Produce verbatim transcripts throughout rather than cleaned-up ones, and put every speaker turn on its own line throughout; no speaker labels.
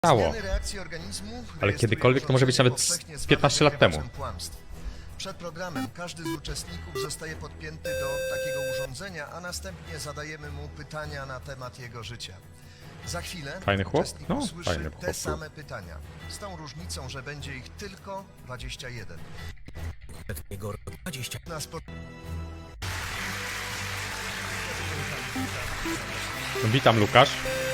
stało. Ale kiedykolwiek to może być nawet z piętnaście lat temu.
Przed programem każdy z uczestników zostaje podpięty do takiego urządzenia, a następnie zadajemy mu pytania na temat jego życia. Za chwilę
Fajny chłop?
uczestnik
No,
usłyszy
fajny
te
chłop.
same pytania, z tą różnicą, że będzie ich tylko dwadzieścia jeden.
Jego dwadzieścia.
Na spo...
No, witam, Lukasz.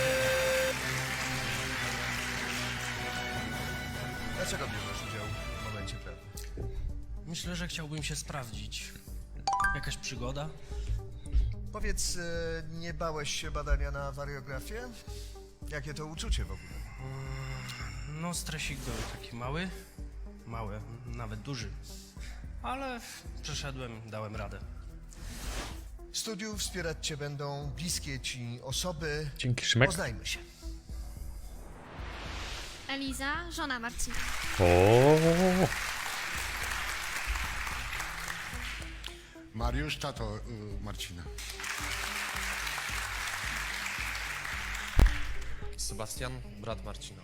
Dlaczego bierzesz udział w momencie prawdy?
Myślę, że chciałbym się sprawdzić. Jakaś przygoda?
Powiedz, e, nie bałeś się badania na wariografię? Jakie to uczucie w ogóle?
No, stresik był taki mały. Mały, nawet duży. Ale przeszedłem, dałem radę.
W studiu wspierać cię będą bliskie ci osoby.
Dzięki, Szymek.
Poznajmy się.
Eliza, żona Marcina.
O,
Mariusz, tato y, Marcina.
Sebastian, brat Marcina.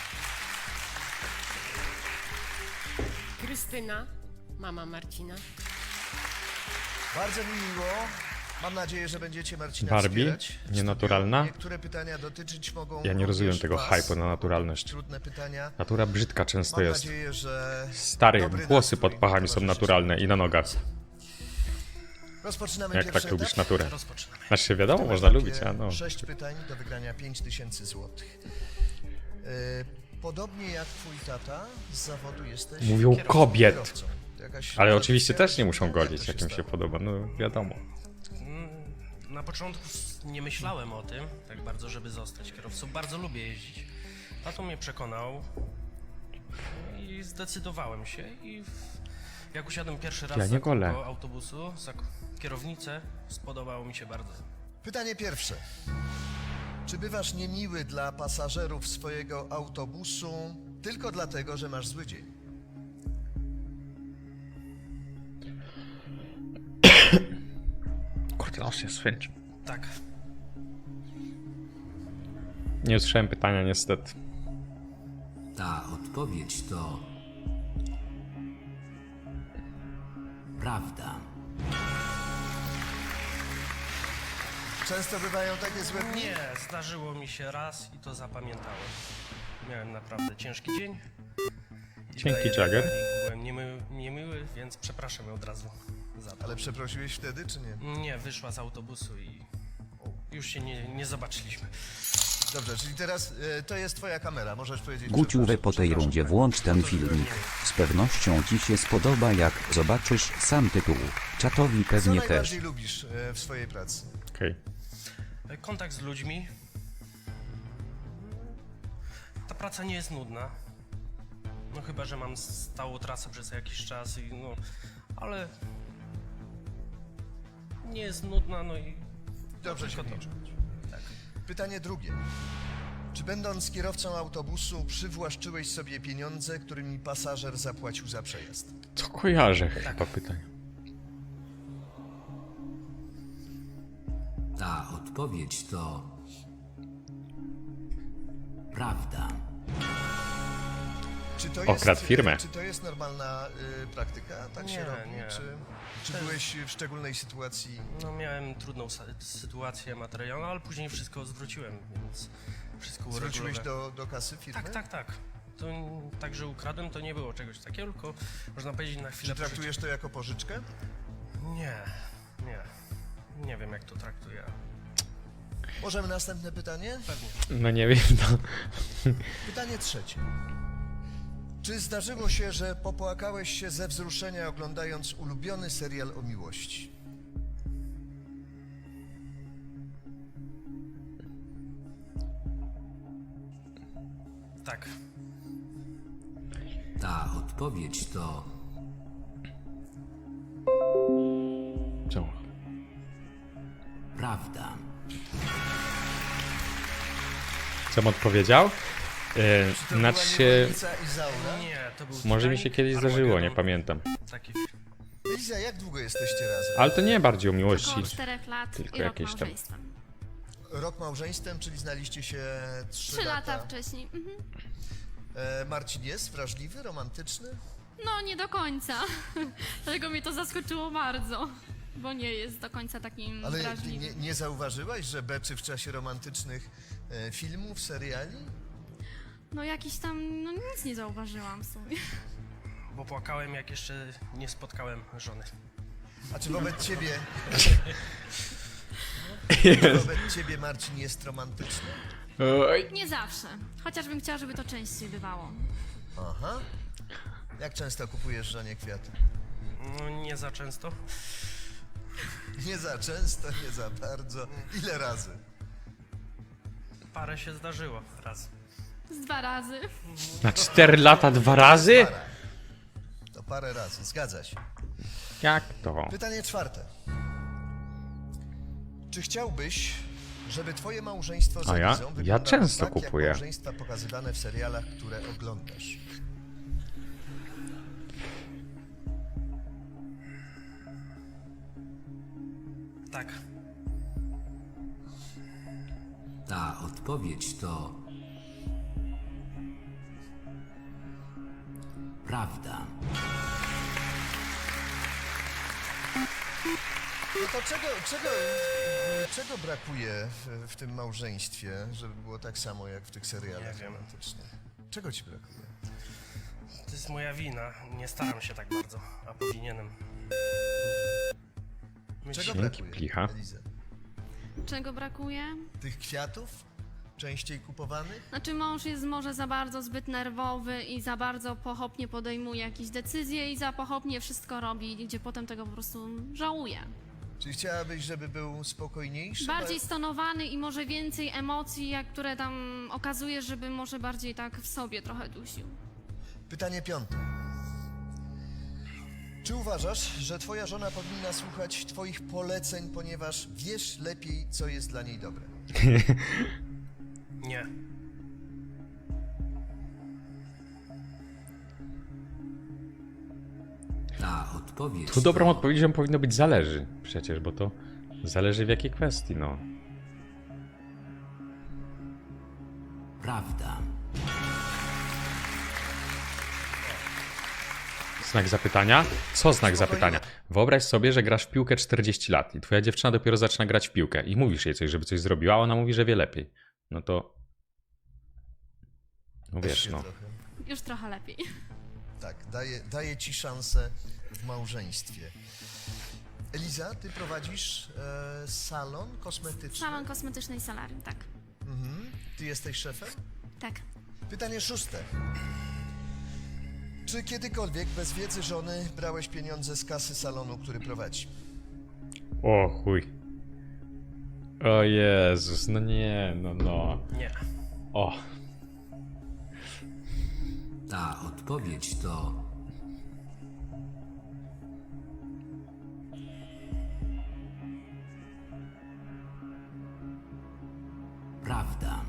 Krystyna, mama Marcina.
Bardzo mi miło. Mam nadzieję, że będziecie Marcina
Barbie?
wspierać. W
Nienaturalna?
studiu Niektóre pytania dotyczyć mogą
ja nie rozumiem
również
tego
was.
hype'u na naturalność.
Trudne pytania.
Natura brzydka często
Mam
jest.
nadzieję, że
Stary,
dobry
włosy
nastrój
pod pachami są
towarzyszy
naturalne i na nogach.
Rozpoczynamy
Jak
pierwszy
tak lubisz
etap.
naturę?
Rozpoczynamy.
Znaczy się wiadomo,
W tym
można
etapie
lubić, a no.
Sześć pytań do wygrania pięć tysięcy złotych. Yy, podobnie jak twój tata, z zawodu jesteś
Mówią
kierowcą,
kobiet.
kierowcą. To jakaś
Ale oczywiście też nie muszą
jak to
godzić,
się
jak im się
stało?
podoba, no wiadomo.
Mm, Na początku s- nie myślałem o tym, tak bardzo, żeby zostać kierowcą. Bardzo lubię jeździć. Tato mnie przekonał i zdecydowałem się i w... jak usiadłem pierwszy raz
Ja
za
nie golę.
kółko autobusu, za k- kierownicę, spodobało mi się bardzo.
Pytanie pierwsze. Czy bywasz niemiły dla pasażerów swojego autobusu tylko dlatego, że masz zły dzień?
Kurde, los jest swędź.
Tak.
Nie usłyszałem pytania niestety.
Ta odpowiedź to prawda.
Często bywają takie złe dni?
Nie, zdarzyło mi się raz i to zapamiętałem. Miałem naprawdę ciężki dzień. I
Dzięki,
daję
Jagger.
pani. Byłem niemiły, niemiły, więc przepraszam ją od razu za to.
Ale przeprosiłeś wtedy, czy nie?
Nie, wyszła z autobusu i już się nie, nie zobaczyliśmy.
Dobrze, czyli teraz e, to jest twoja kamera, możesz powiedzieć...
Guciuwe
przepraszam,
po tej
przepraszam.
rundzie włącz ten filmik. Z pewnością ci się spodoba, jak zobaczysz sam tytuł. Czatowi
Co
pewnie też.
najbardziej lubisz e, w swojej pracy?
Okej.
Kontakt z ludźmi. Ta praca nie jest nudna. No chyba, że mam stałą trasę przez jakiś czas i no... Ale... Nie jest nudna, no i...
Dobrze się
tylko to.
liczy. Pytanie drugie. Czy będąc kierowcą autobusu przywłaszczyłeś sobie pieniądze, którymi pasażer zapłacił za przejazd?
Co kojarzę chyba pytanie.
Ta odpowiedź to prawda.
Czy to
Okradł
jest,
firmę.
Czy to jest normalna y, praktyka? Tak się
Nie,
robi?
nie.
Czy, czy byłeś w szczególnej sytuacji?
No miałem trudną sa- sytuację materialną, ale później wszystko zwróciłem, więc wszystko
Zwróciłeś
uregulowałem.
do, do kasy firmy?
Tak, tak, tak. To n- tak, że ukradłem, to nie było czegoś takiego, tylko można powiedzieć na chwilę
Czy traktujesz to jako pożyczkę?
pożycia. Nie, nie. Nie wiem, jak to traktuję.
Możemy następne pytanie?
Pewnie.
No nie wiem, no.
Pytanie trzecie. Czy zdarzyło się, że popłakałeś się ze wzruszenia oglądając ulubiony serial o miłości?
Tak.
Ta odpowiedź to
Co?
prawda.
Co odpowiedział? Yy,
To
znaczy
była
się...
niewolnica Izaura?
Nie, to był
Może mi się
Titanic,
kiedyś zdarzyło, nie
Armageddon.
pamiętam.
Taki
Eliza, jak długo jesteście razem?
Ale to nie bardziej o miłości.
Około czterech lat
Tylko
i rok
jakieś tam-
małżeństwa.
Rok małżeństwem, czyli znaliście się trzy,
Trzy lata wcześniej. Mhm.
E, Marcin jest wrażliwy, romantyczny?
No, nie do końca. Dlatego mnie to zaskoczyło bardzo. Bo nie jest do końca takim
Ale ty
wrażliwym.
nie, nie zauważyłaś, że beczy w czasie romantycznych e, filmów, seriali?
No jakiś tam, no nic nie zauważyłam w sumie.
Bo płakałem, jak jeszcze nie spotkałem żony.
A czy wobec ciebie... Czy wobec ciebie Marcin jest romantyczny?
Oj.
Nie zawsze. Chociażbym chciała, żeby to częściej bywało.
Aha. Jak często kupujesz żonie kwiaty?
No, nie za często.
Nie za często, nie za bardzo. Ile razy?
Parę się zdarzyło raz.
Z dwa razy.
Na cztery lata dwa razy?
Parę. To parę razy, zgadza się.
Jak to?
Pytanie czwarte. Czy chciałbyś, żeby twoje małżeństwo z
A ja?
Elizą
Ja
wyglądało
często
tak,
kupuję.
jak małżeństwa pokazywane w serialach, które oglądasz?
Tak.
Ta odpowiedź to prawda.
No to czego, czego, czego brakuje w, w tym małżeństwie, żeby było tak samo jak w tych serialach
Nie wiem.
romantycznych? Czego ci brakuje?
To jest moja wina. Nie staram się tak bardzo, a powinienem.
Czego
Dzięki,
brakuje,
plicha.
Eliza?
Czego brakuje?
Tych kwiatów? Częściej kupowanych?
Znaczy mąż jest może za bardzo zbyt nerwowy i za bardzo pochopnie podejmuje jakieś decyzje i za pochopnie wszystko robi, gdzie potem tego po prostu żałuje.
Czy chciałabyś, żeby był spokojniejszy?
Bardziej stonowany i może więcej emocji, jak które tam okazuje, żeby może bardziej tak w sobie trochę dusił.
Pytanie piąte. Czy uważasz, że twoja żona powinna słuchać twoich poleceń, ponieważ wiesz lepiej, co jest dla niej dobre?
Nie.
Ta odpowiedź
Tu dobrą
to
odpowiedzią powinno być zależy. Przecież, bo to zależy w jakiej kwestii, no.
prawda.
Znak zapytania? Co znak zapytania? Wyobraź sobie, że grasz w piłkę czterdzieści lat i twoja dziewczyna dopiero zaczyna grać w piłkę i mówisz jej coś, żeby coś zrobiła, a ona mówi, że wie lepiej. No to... No
Też
wiesz,
się
no.
trochę.
Już trochę lepiej.
Tak, daje, daje ci szansę w małżeństwie. Eliza, ty prowadzisz e, salon kosmetyczny.
Salon kosmetyczny i solarium, tak.
Mhm. Ty jesteś szefem?
Tak.
Pytanie szóste. Czy kiedykolwiek bez wiedzy żony brałeś pieniądze z kasy salonu, który prowadzi?
O chuj. O Jezus, no nie, no no.
Nie.
O.
Ta odpowiedź to prawda.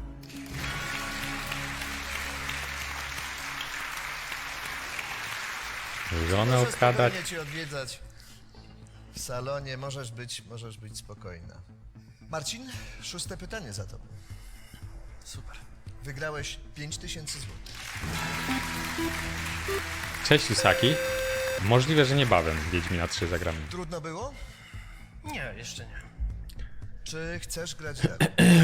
Żonę
Możesz
okradać.
spokojnie cię odwiedzać w salonie, możesz być, możesz być spokojna. Marcin, szóste pytanie za tobą.
Super.
Wygrałeś pięć tysięcy złotych.
Cześć Usaki. Możliwe, że niebawem Wiedźmina trzy zagramy.
Trudno było?
Nie, jeszcze nie.
Czy chcesz grać dalej?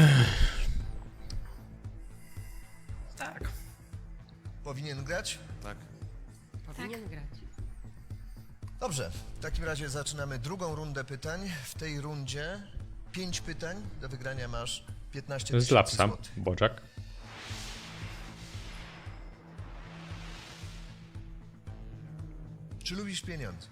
Tak.
Powinien grać?
Tak.
Powinien grać.
Dobrze, w takim razie zaczynamy drugą rundę pytań. W tej rundzie pięć pytań. Do wygrania masz piętnaście
Z
tysięcy
Lapsa,
złotych.
Boczak.
Czy lubisz pieniądze?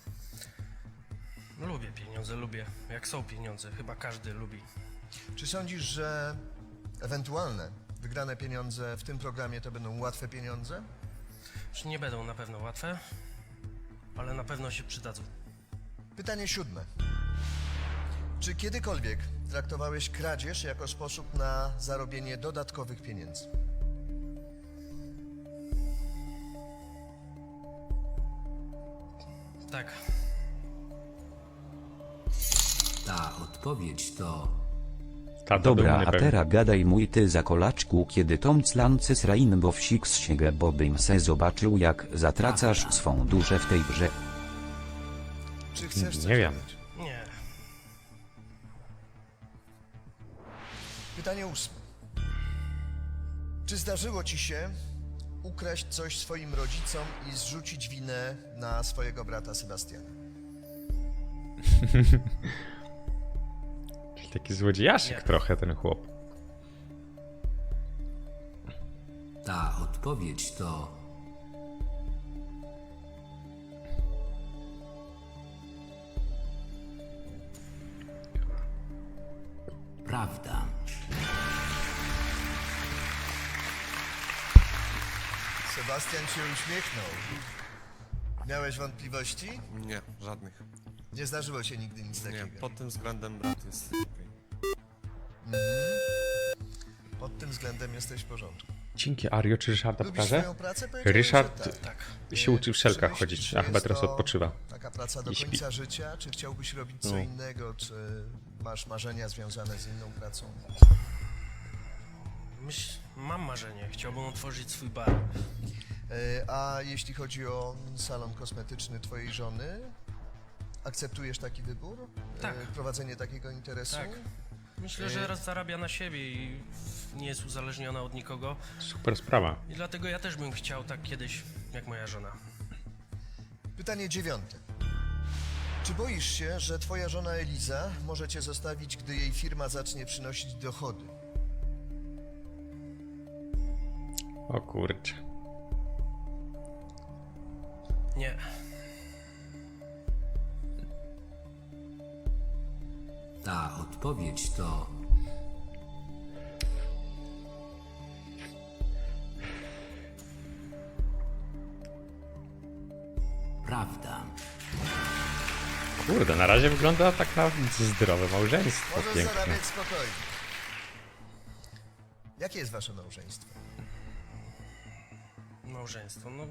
Lubię pieniądze, lubię. Jak są pieniądze, chyba każdy lubi.
Czy sądzisz, że ewentualne wygrane pieniądze w tym programie to będą łatwe pieniądze?
Już nie będą na pewno łatwe, ale na pewno się przydadzą.
Pytanie siódme. Czy kiedykolwiek traktowałeś kradzież jako sposób na zarobienie dodatkowych pieniędzy?
Tak.
Ta odpowiedź to
Tata
Dobra,
dumny
a
pewnie.
teraz gadaj mój ty za kolaczku, kiedy Tom Clancy's Rainbow Six Siege bobym se zobaczył jak zatracasz swą duszę w tej grze.
Czy chcesz coś
Nie wiem.
dodać?
Nie.
Pytanie ósme. Czy zdarzyło ci się ukraść coś swoim rodzicom i zrzucić winę na swojego brata Sebastiana?
Taki złodziejaszek
Nie.
trochę ten chłop.
Ta odpowiedź to prawda.
Sebastian się uśmiechnął. Miałeś wątpliwości?
Nie, żadnych.
Nie zdarzyło się nigdy nic
Nie,
takiego.
pod tym względem brat jest okej.
Pod tym względem jesteś w porządku.
Dzięki Ario czy Ryszarda
Lubisz
pokażę?
swoją pracę? Powiedziałeś,
Ryszard
że tak.
się uczy w szelkach
Czy
chodzić,
myślisz,
a
że
chyba
jest
teraz
to
odpoczywa.
Taka praca do
I śpi.
końca życia? Czy chciałbyś robić co
No.
innego? Czy masz marzenia związane z inną pracą?
Myśl, mam marzenie. Chciałbym otworzyć swój bar.
E, A jeśli chodzi o salon kosmetyczny twojej żony, akceptujesz taki wybór? E,
Tak.
Prowadzenie takiego interesu?
Tak. Myślę, że raz zarabia na siebie i nie jest uzależniona od nikogo.
Super sprawa.
I dlatego ja też bym chciał tak kiedyś, jak moja żona.
Pytanie dziewiąte. Czy boisz się, że twoja żona Eliza może cię zostawić, gdy jej firma zacznie przynosić dochody?
O kurczę.
Nie.
Ta odpowiedź to prawda.
Kurde, na razie wygląda tak na zdrowe małżeństwo.
Możesz
Piękne.
zarabiać spokojnie. Jakie jest wasze małżeństwo?
Małżeństwo, no...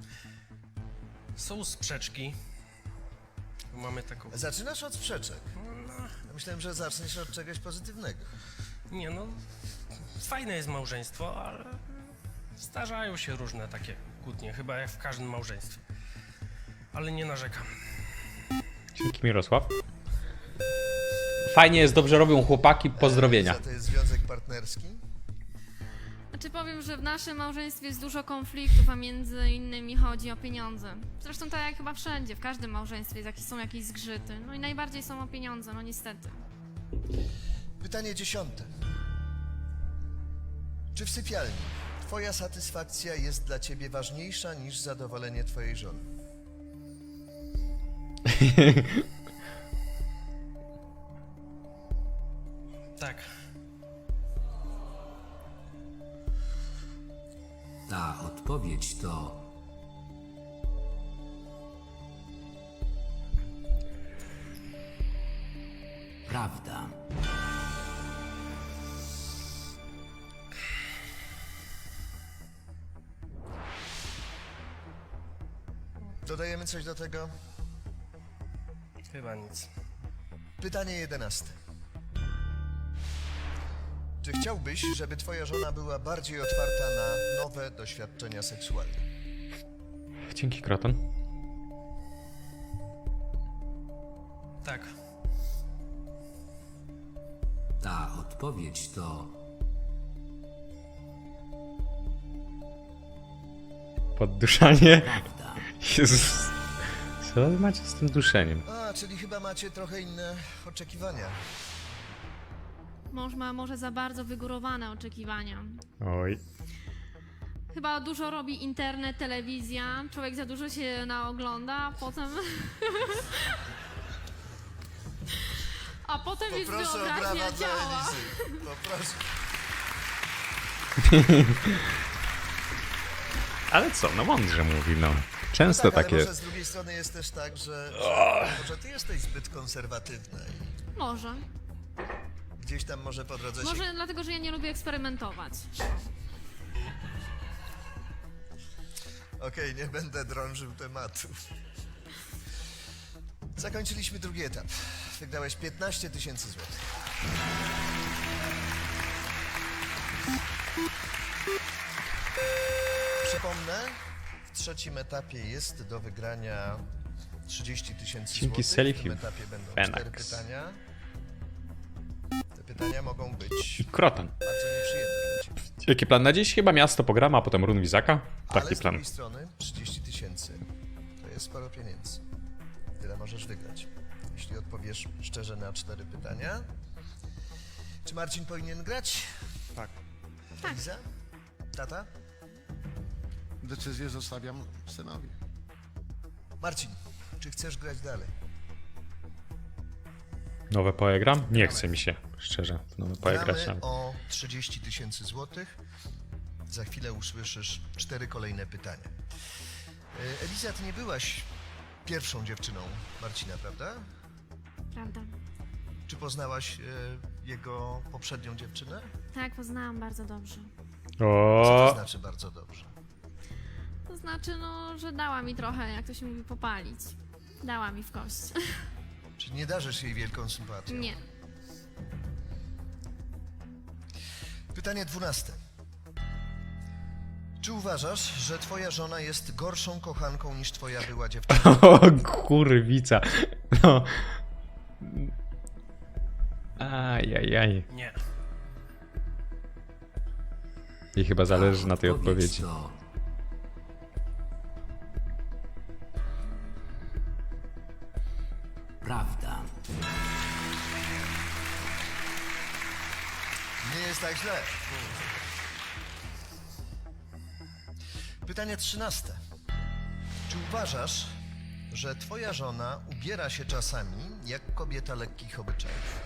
Są sprzeczki. Mamy taką...
Zaczynasz od sprzeczek. Ja myślałem, że zaczniesz od czegoś pozytywnego.
Nie no... Fajne jest małżeństwo, ale... Zdarzają się różne takie kłótnie, chyba jak w każdym małżeństwie. Ale nie narzekam.
Dzięki Mirosław. Fajnie jest, dobrze robią chłopaki, pozdrowienia.
Eliza, to jest związek partnerski?
Znaczy powiem, że w naszym małżeństwie jest dużo konfliktów, a między innymi chodzi o pieniądze. Zresztą tak jak chyba wszędzie, w każdym małżeństwie jest jakieś, są jakieś zgrzyty. No i najbardziej są o pieniądze, no niestety.
Pytanie dziesiąte. Czy w sypialni twoja satysfakcja jest dla ciebie ważniejsza niż zadowolenie twojej żony?
Tak.
Ta odpowiedź to prawda.
Dodajemy coś do tego?
Chyba nic.
Pytanie jedenaste. Czy chciałbyś, żeby twoja żona była bardziej otwarta na nowe doświadczenia seksualne?
Dzięki Kroton.
Tak.
Ta odpowiedź to
Podduszanie.
prawda.
Jezus. Co wy macie z tym duszeniem?
A, czyli chyba macie trochę inne oczekiwania.
Mąż ma może za bardzo wygórowane oczekiwania.
Oj.
Chyba dużo robi internet, telewizja, człowiek za dużo się naogląda, a potem... a potem jest
Poproszę o
wyobraźnia
brawa dla
ciała.
Elizy. Poproszę.
Ale co, no mądrze mówi, no. Często
Tak, ale
takie...
może z drugiej strony jest też tak, że, że może ty jesteś zbyt konserwatywna i
Może.
gdzieś tam może po drodze się...
Może dlatego, że ja nie lubię eksperymentować.
Okej, nie będę drążył tematu. Zakończyliśmy drugi etap. Wygrałeś piętnaście tysięcy złotych. Przypomnę, w trzecim etapie jest do wygrania trzydzieści tysięcy
Dzięki
złotych. W
Selfie
tym etapie będą
Fenax.
cztery pytania. Te pytania mogą być
Kroton.
bardzo nieprzyjemne dla ciebie.
Jaki plan na dziś? Chyba miasto pograma, a potem run Wizaka.
Ale
Taki
z
plan.
drugiej strony trzydzieści tysięcy to jest sporo pieniędzy. Tyle możesz wygrać, jeśli odpowiesz szczerze na cztery pytania. Czy Marcin powinien grać?
Tak.
Eliza? Tata?
Decyzję zostawiam synowi.
Marcin, czy chcesz grać dalej?
Nowe poe gram? Nie chce mi się, szczerze. w Nowe poe grać
Gramy
nawet.
o trzydzieści tysięcy złotych. Za chwilę usłyszysz cztery kolejne pytania. E, Eliza, ty nie byłaś pierwszą dziewczyną Marcina, prawda?
Prawda.
Czy poznałaś e, jego poprzednią dziewczynę?
Tak, poznałam bardzo dobrze.
Co to
O,
znaczy bardzo dobrze?
To znaczy, no, że dała mi trochę, jak to się mówi, popalić. Dała mi w kość.
Czy nie darzysz jej wielką sympatią?
Nie.
Pytanie dwunaste. Czy uważasz, że twoja żona jest gorszą kochanką niż twoja była dziewczyna?
o kurwica. No. Ajajaj.
Nie.
I chyba zależy
Ta
na tej
odpowiedź
odpowiedzi.
to prawda.
Nie jest tak źle. Pytanie trzynaste. Czy uważasz, że twoja żona ubiera się czasami jak kobieta lekkich obyczajów?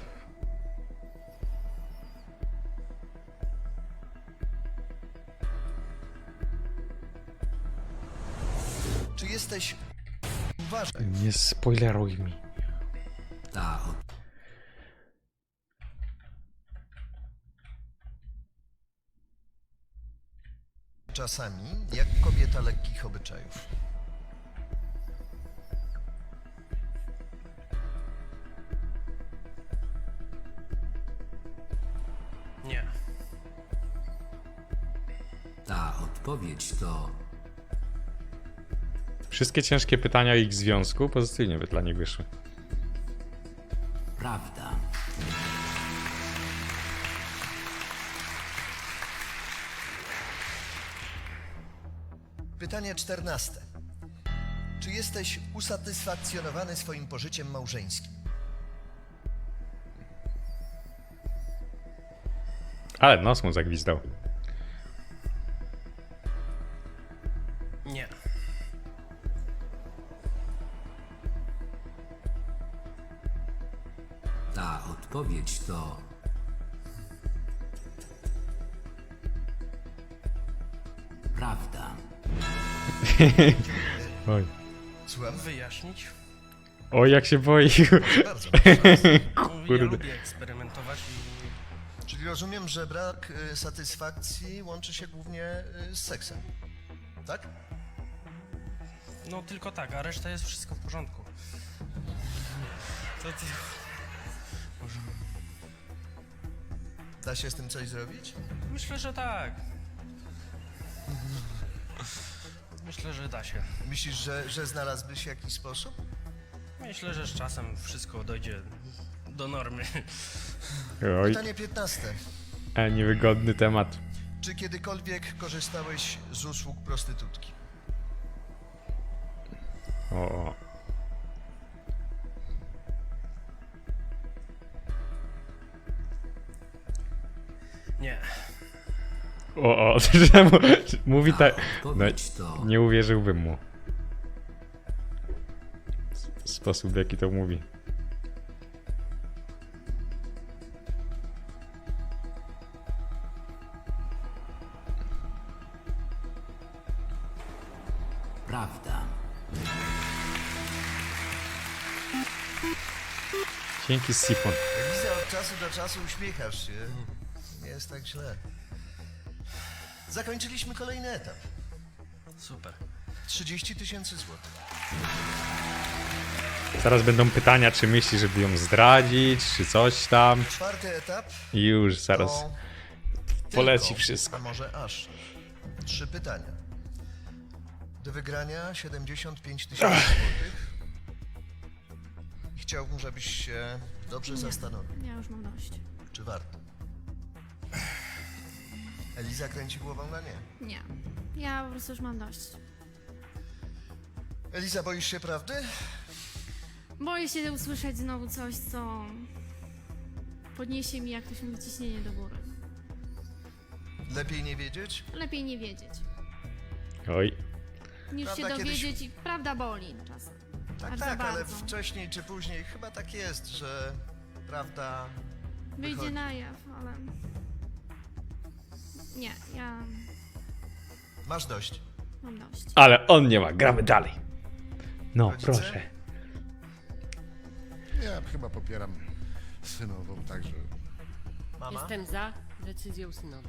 Czy jesteś... Uważaj.
Nie spoileruj mi.
Ta od...
Czasami jak kobieta lekkich obyczajów.
Nie.
Ta odpowiedź to
Wszystkie ciężkie pytania o ich związku pozytywnie by dla nich wyszły.
prawda.
Pytanie czternaste. Czy jesteś usatysfakcjonowany swoim pożyciem małżeńskim?
Ale nos mu zagwizdał.
Nie.
Ta odpowiedź to prawda.
Oj.
Słucham?
Wyjaśnić?
Oj, jak się boi.
Bardzo proszę.
Ja
Kurde.
lubię eksperymentować i
Czyli rozumiem, że brak y, satysfakcji łączy się głównie y, z seksem. Tak?
no tylko tak, a reszta jest wszystko w porządku. To, to... Może...
Da się z tym coś zrobić?
Myślę, że tak. Myślę, że da się.
Myślisz, że, że znalazłbyś jakiś sposób?
Myślę, że z czasem wszystko dojdzie do normy.
Oj,
Pytanie piętnaste.
a niewygodny temat.
Czy kiedykolwiek korzystałeś z usług prostytutki?
O, o.
Nie.
O, o, czemu mówi
Ta
tak. No,
odpowiedź to
nie uwierzyłbym mu. W sposób, w jaki to mówi.
prawda.
Dzięki, Sifon.
Eliza, od czasu do czasu uśmiechasz się. Nie jest tak źle. Zakończyliśmy kolejny etap.
Super.
trzydzieści tysięcy złotych.
Zaraz będą pytania, czy myśli, żeby ją zdradzić, czy coś tam.
Czwarty etap.
I już zaraz
to
poleci
tylko,
wszystko.
A może aż trzy pytania. Do wygrania siedemdziesiąt pięć tysięcy złotych. I chciałbym, żebyś się dobrze
Nie.
zastanowił,
Ja już mam dość.
czy warto. Eliza kręci głową na nie.
Nie. Ja po prostu już mam dość.
Eliza, boisz się prawdy?
Boję się usłyszeć znowu coś, co podniesie mi, jak to się mówi, ciśnienie do góry.
Lepiej nie wiedzieć?
Lepiej nie wiedzieć,
Oj.
niż
Prawda,
się
kiedyś-
dowiedzieć i prawda boli czasem.
Tak,
Bardzo,
tak, ale
bardzo.
wcześniej czy później chyba tak jest, że prawda
Wyjdzie
wychodzi.
na jaw, ale... Nie, ja
Masz dość.
mam dość.
Ale on nie ma, gramy dalej. No,
Rodzice?
proszę.
Ja chyba popieram synową, także
Mama?
Jestem za decyzją synową.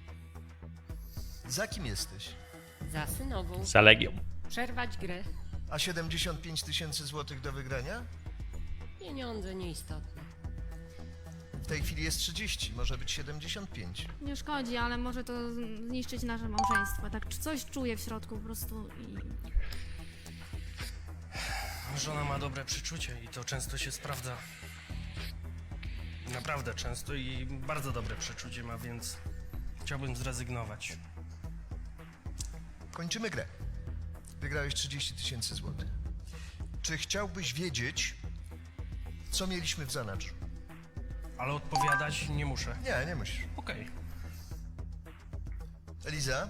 Za kim jesteś?
Za synową.
Za Legią.
Przerwać grę.
A siedemdziesiąt pięć tysięcy złotych do wygrania?
Pieniądze nieistotne.
W tej chwili jest trzydzieści, może być siedemdziesiąt pięć.
Nie szkodzi, ale może to zniszczyć nasze małżeństwo. Tak czy coś czuję w środku po prostu i...
Żona ma dobre przeczucie i to często się sprawdza. Naprawdę często i bardzo dobre przeczucie ma, więc chciałbym zrezygnować.
Kończymy grę. Wygrałeś trzydzieści tysięcy złotych. Czy chciałbyś wiedzieć, co mieliśmy w zanadrzu?
Ale odpowiadać nie muszę.
Nie, nie musisz.
Okej.
Eliza?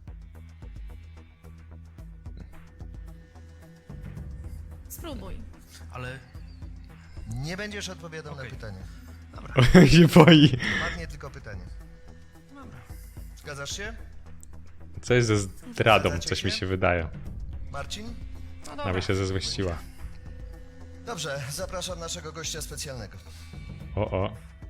Spróbuj.
Ale
Nie będziesz odpowiadał
Okej.
na pytania.
się boi.
Padnie tylko pytanie.
dobra.
Zgadzasz się?
Co jest ze zdradą? Coś mi się wydaje.
Marcin?
No dobra.
Nawet się zezłościła.
Dobrze, zapraszam naszego gościa specjalnego.
O, o.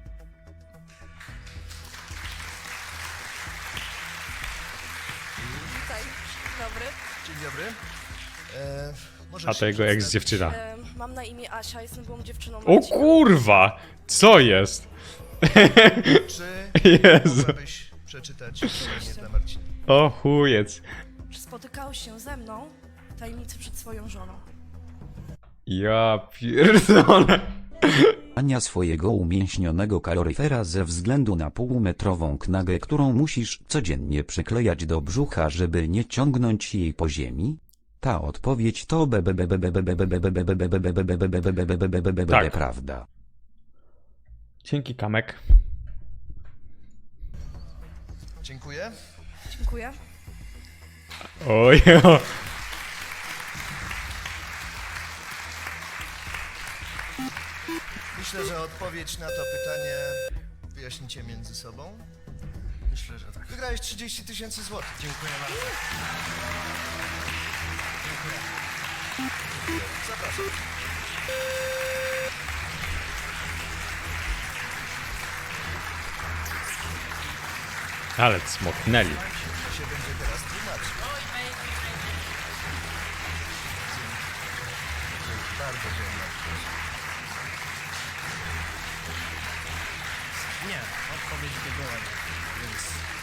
Witaj, dobry.
Dzień dobry. E, możesz
A
się
to jego
przedstawić?
ex-dziewczyna.
E, mam na imię Asia, jestem byłą dziewczyną
O
Marcina.
kurwa! Co jest?
Czy
Jezu.
mogłabyś przeczytać imię dla Marcina?
O chujec.
Czy spotykałeś się ze mną w tajemnicy przed swoją żoną?
Ja pierdolę.
Ania swojego umięśnionego kaloryfera ze względu na półmetrową knagę, którą musisz codziennie przyklejać do brzucha, żeby nie ciągnąć jej po ziemi? Ta odpowiedź to
Tak.
prawda.
Dzięki, Kamek.
Dziękuję.
Dziękuję.
Oj,
Myślę, że odpowiedź na to pytanie wyjaśnicie między sobą.
Myślę, że tak.
Wygrałeś trzydzieści tysięcy złotych.
Dziękuję bardzo.
Zapraszam.
ale smoknęli.
To się będzie teraz tłumaczył. Bardzo dziękuję.
Nie, odpowiedź by była nie, więc